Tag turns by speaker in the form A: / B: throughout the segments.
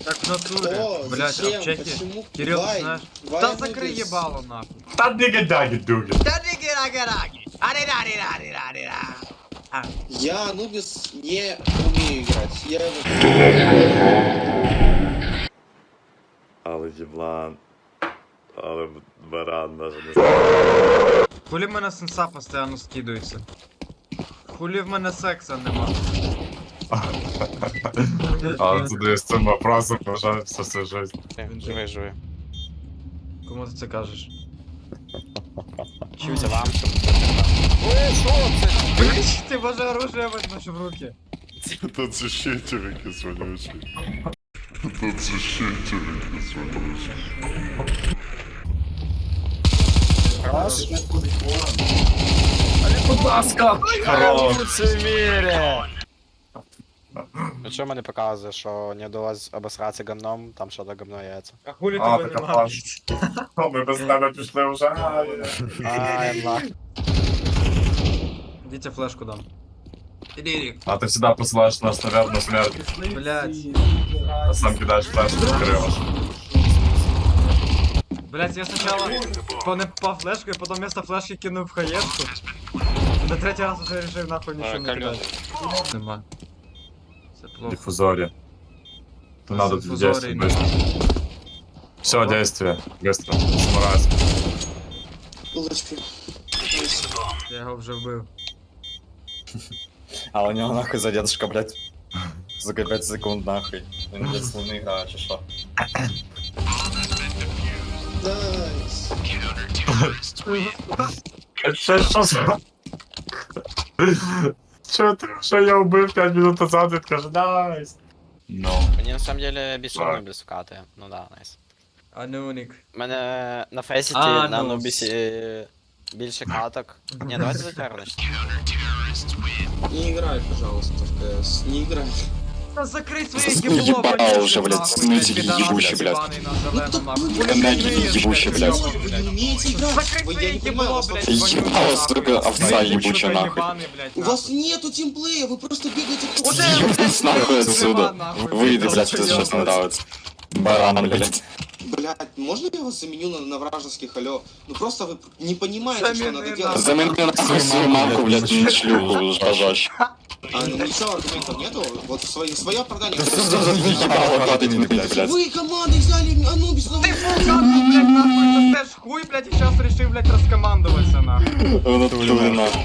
A: Так в натуре.
B: О,
A: Блять,
B: зачем?
A: аптеки.
B: Почему?
A: Кирилл,
B: Вай,
A: знаешь.
B: Вай
A: Да закрой
B: Анубис.
A: ебало нахуй.
C: Та диги-даги-дуги.
A: Да диги-раги-раги. Ари-рари-рари-рари-ра. А,
B: Я Анубис не умею играть. Я его...
D: Але єблан. Але баран даже не.
A: Хули в мене сенса постійно скидується? Хули в мене секса нема?
C: Але туди з цим вопросом бажаю всю жизнь.
E: Живи, живи.
A: Кому ти це кажеш?
E: Це вам, щоб... О, що це?
A: Блять, ти боже оружие возьмеш в руки.
D: Та це ще тюрики свинючі. Та це ще тюрики свинючі.
C: Будь ласка! Хорош!
E: Це мірі! Ну що мене показує, що не вдалося обосратися говном, там що то говно яйця.
A: А хули
C: А,
A: тебе
C: така
A: нема?
C: плаш. Ми без тебе пішли вже.
E: Ай, нах.
A: Дітя флешку дам. Іди,
C: А ти завжди посилаєш нас, наверное, на смерть.
A: блять.
C: А сам кидаєш флешку в крило.
A: Блять, я спочатку по флешку, і потім вместо флешки кинув в хаєшку. На третій раз вже вирішив нахуй нічого не
E: Кальоний.
A: кидати. Нема. Це плохо.
C: Диффузорі. То надо
A: Диффузорі,
C: действовать быстро. Все, действие. Быстро. Самурайс.
B: Булочки.
A: Я його вже вбив.
F: А у нього нахуй задержка, блядь. За 5 секунд нахуй. Він, блядь, словно грає, чи що?
B: Найс.
C: Що за... Що я вбив 5 минут назад, він каже, найс. Ну.
E: Мені на самом деле більше Анубіс вкатує. Ну да, найс.
A: Анунік.
E: У мене на фейсіті,
A: А,
E: на
A: ну.
E: Анубісі більше каток. Ні, давайте затягнемо.
B: Не играй, пожалуйста, в КС. Не играй.
A: Та закрий своє
F: Заснуй
A: ебло,
F: ебало
A: конечно,
F: уже, блядь,
A: нахуй,
F: снытели
A: підарас
F: ебучий, блядь.
A: ебаний на зелену, нахуй.
B: Ну,
A: Хули
F: Наги
A: ти вмієш,
F: ебучий, блядь.
B: Вы не умеете играть.
A: Закрой
B: Вы, я
A: своє
B: не понимаю,
A: ебло,
B: вас
A: блядь,
B: вообще-
F: Ебало,
A: вонючий,
F: сука,
A: нахуй.
F: овца
A: Ебучий,
F: ебучая,
A: сука,
F: нахуй.
A: ебаний, блядь,
B: У
A: нахуй.
B: вас нету тимплея, вы просто бегаете по
A: Вот
B: кругу.
F: Ебать нахуй отсюда.
A: нахуй,
F: Выйди,
A: блядь,
F: блядь, что сейчас
A: ёбаный.
F: нравится. Баран, блядь.
B: Блядь, можно я вас заменю на вражеских, алло? Ну просто вы не понимаете, что
A: Замени
B: надо
A: нахуй.
B: делать.
F: Замени нахуй свою мамку, блядь, на шлюху жажащую.
B: А, ну ничего, аргументов нету? Вот свое оправдание.
F: Ебало падает, блядь.
B: Вы командой взяли Анубис, ну
A: Ти фулкатку, блядь, нахуй, це ж хуй, блядь, і зараз рішив, блядь, розкомандуватися, нахуй.
F: В натуре нахуй.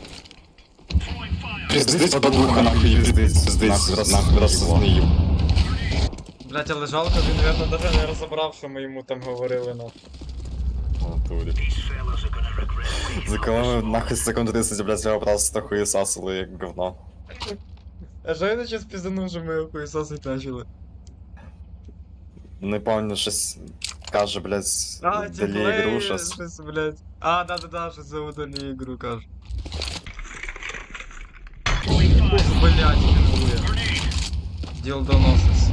F: Пиздец подуха нахуй, пиздец нахуй, рассознаем.
A: Блядь, але жалко, він, наверное, даже не розібрав, що ми йому там говорили, нахуй.
F: В натуре. За кого нахуй секунд 30, блядь, я просто хуесасил як говно.
A: А що я зараз пізданув, що ми хуйсосить почали?
F: Не помню, щось каже, блядь,
A: А,
F: далі
A: тімплей,
F: ігру, щось.
A: щось, блядь. А, да-да-да, щось за удалі ігру каже. Ух, блядь, пінгує. Діл доносис.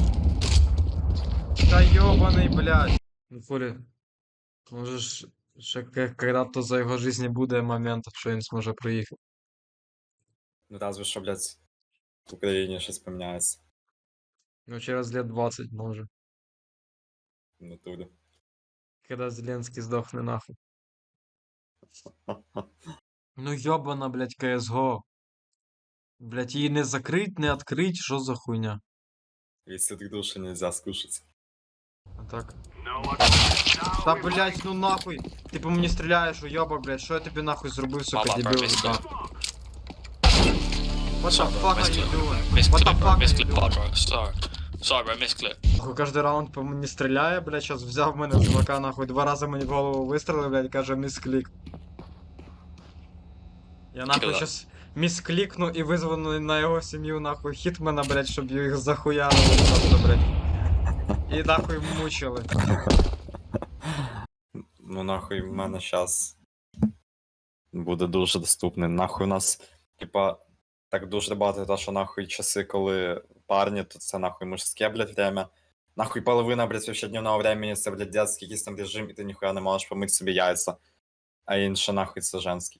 A: Та ёбаний, блядь. Ну, фурі. Може ж, ще когда-то за його житті буде момент, що він зможе приїхати.
F: Ну разве що, блядь, в Україні щось поміняється.
A: Ну, через лет 20, може.
F: В натурі.
A: Когда Зеленский сдохне нахуй. Ну ёбана, блядь, CSGO. Блядь, її не закрить, не открыть, що за хуйня?
F: Если так души нельзя скушать.
A: А так. Та, блядь, ну нахуй. Ти по мені стріляєш, уйобок, блядь, що я тобі нахуй зробив, сука,
E: Мама,
A: дебіл,
E: проміс,
A: да.
E: да.
A: What the fuck are you doing? What the
G: Misclick, bro.
A: fuck are you
G: Misclick pod,
A: doing?
G: bro. Sorry. Sorry, bro. Misclick.
A: Нахуй кожен раунд по мені стріляє, блядь, щас взяв мене чувака, нахуй, 2 рази мені в голову вистрелив, блядь, каже місклік. Я нахуй
G: Кiller.
A: щас місклікну і визву на його сім'ю, нахуй, хітмена, блядь, щоб їх захуярили просто, блядь. І нахуй мучили.
F: Ну нахуй в мене щас буде дуже доступний. Нахуй у нас, типа, так дуже багато те, що нахуй часи, коли парні, то це нахуй мужське, блядь, время. Нахуй половина, блядь, вообще дневного времени це, блядь, детський якийсь там режим, і ти ніхуя не можеш помити собі яйця. А інше нахуй це женський.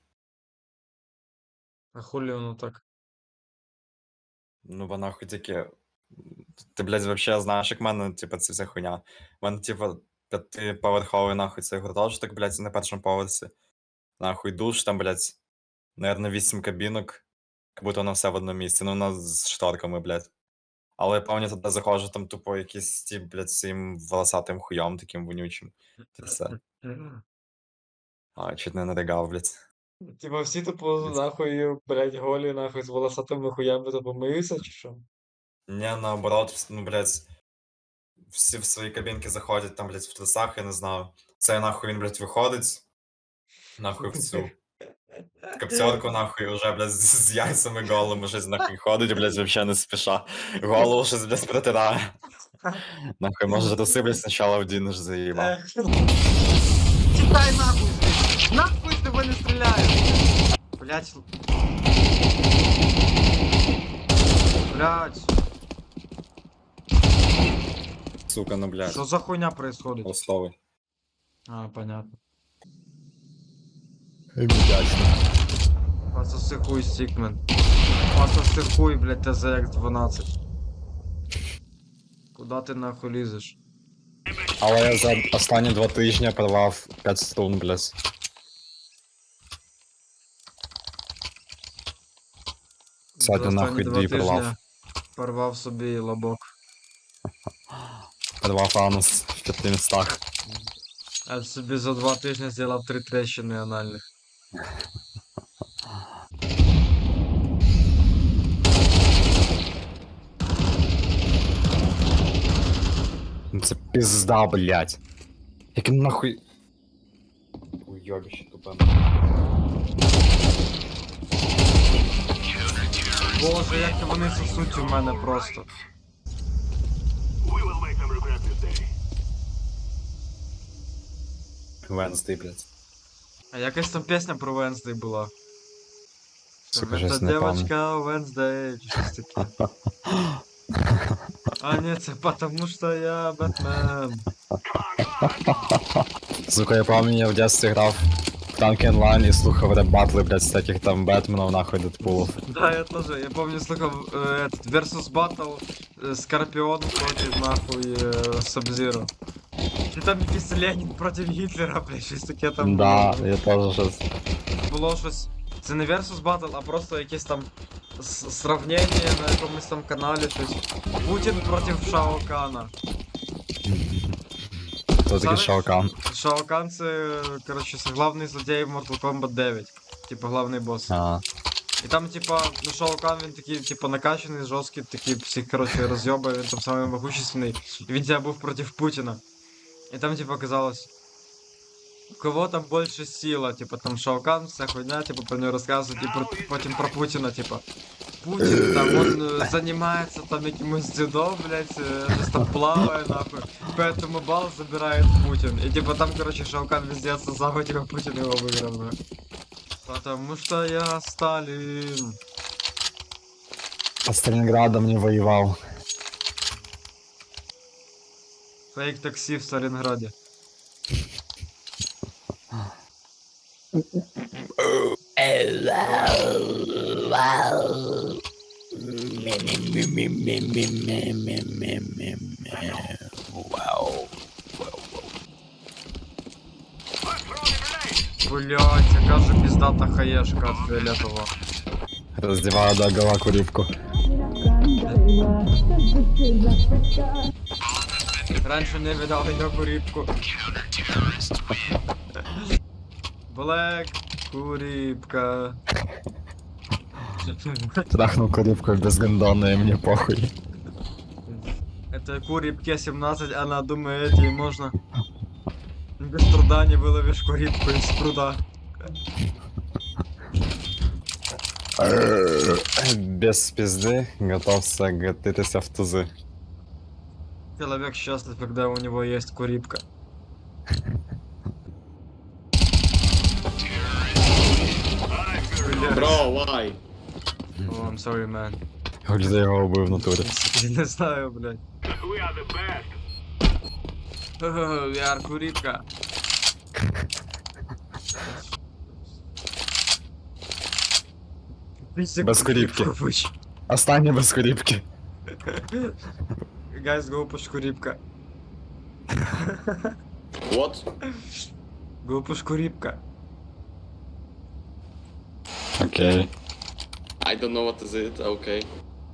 A: А хулі воно так?
F: Ну бо нахуй таке. Ти, блядь, вообще знаєш, як в мене, типа, це вся хуйня. У мене, типа, 5-поверховий, нахуй, цей гуртожиток, блядь, на першому поверсі. Нахуй душ, там, блядь, наверно, 8 кабінок. Як будто воно все в одному місці. Ну, воно з шторками, блядь. Але я пам'ятаю, туди заходжу, там тупо якийсь тип, блядь, з цим волосатим хуйом таким вонючим. Це все. А, чуть не наригав, блядь.
A: Типа всі тупо нахуй, блядь, голі, нахуй, з волосатими хуями тупо миються, чи що?
F: Не, наоборот, ну, блядь, всі в свої кабінки заходять, там, блядь, в трусах, я не знаю. Це нахуй він, блядь, виходить, нахуй в цю капцьорку, нахуй, уже, блядь, з яйцями голими щось, нахуй, ходить, блядь, вообще не спіша. Голову щось, блядь, протирає. Нахуй, може, труси, блядь, спочатку вдінеш, заїбав.
A: Тікай нахуй звідси! Нахуй з тебе не стріляю! Блядь. Блядь.
F: Сука, ну, блядь,
A: Що за хуйня происходит?
F: ластовий.
A: А, понятно.
F: Вдячно.
A: Пососи хуй, Стикмен. Пососи хуй, блядь, ТЗХ-12. Куда ти нахуй лізеш?
F: Але я за останні 2 тижні порвав 5 струн, блядь. Сьогодні
A: За
F: нахуй
A: останні
F: 2
A: 2
F: порвав.
A: тижні порвав собі лобок.
F: Порвав анус в 5 містах.
A: А собі за 2 тижні зробив 3 трещини анальних.
F: Ну це пизда, блядь. Яким нахуй... Уйобище тупе.
A: Боже, як вони сосуть у мене просто.
F: Венсдей, блядь.
A: А якась там пісня про Венсдей була.
F: Сука,
A: Це
F: щось не пам'ятаю.
A: девочка Венсдей, чи щось таке. А ні, це потому що я Бетмен.
F: Сука, я пам'ятаю, я в дитинстві грав в танки онлайн і слухав реп-батли, блядь, з таких там Бетменов, нахуй, Дедпулов.
A: Да, я тоже. Я помню, слухав этот Versus Battle Скорпион против нахуй Сабзиро. І там якийсь Ленін проти Гітлера, блядь, щось таке там
F: Да,
A: було.
F: я теж щось.
A: Було щось. Це не Versus Battle, а просто якесь там сравнення на якомусь там каналі, щось. Путін проти Шао Кана.
F: Хто такий
A: Зараз-
F: Шаокан?
A: Шао Кан це, коротше, це главний злодій в Mortal Kombat 9. Типа главний босс.
F: А,
A: І там, типа, ну Шао Кан, він такий, типа, накачаний, жорсткий, такий всіх, коротше, роз'єбує, він там самий могущественний. І він тебе був проти Путіна. І там, типа, казалось, у кого там більше сила, типа, там Шао Кан, вся хуйня, типа, про нього розказують, і потім про Путіна, типа. Путін, там, он занимается там якимось дзюдо, блядь, щось там плаває, нахуй. Поэтому бал забирает Путин. И типа там, короче, Шао Кан везде сосал, типа Путин его выиграл, нахуй. Потому что я Сталин.
F: под Сталинградом не воевал.
A: Фейк такси в Сталинграде. Блять, яка же пиздата хаешка от фиолетового.
F: Раздеваю до гола курівку.
A: Раньше не видал ее курипку. Блэк курипка.
F: Трахнул курівку без гондона, и мне похуй.
A: Это курипке 17, она думает, ей можно. Без труда не выловишь курипку из пруда.
F: Без пизды готовься гатитися в тузи.
A: Человек счастлив, когда у него есть курипка.
B: Бро, why?
A: Oh, I'm sorry, man.
F: Хоч за його убив в натурі.
A: Я не знаю, блядь. We are курипка.
F: Без куріпки. Останнє без курівки.
A: guys, глупушку рибка.
B: What?
A: Глупушку рибка.
F: Окей.
B: I don't know what is it, okay.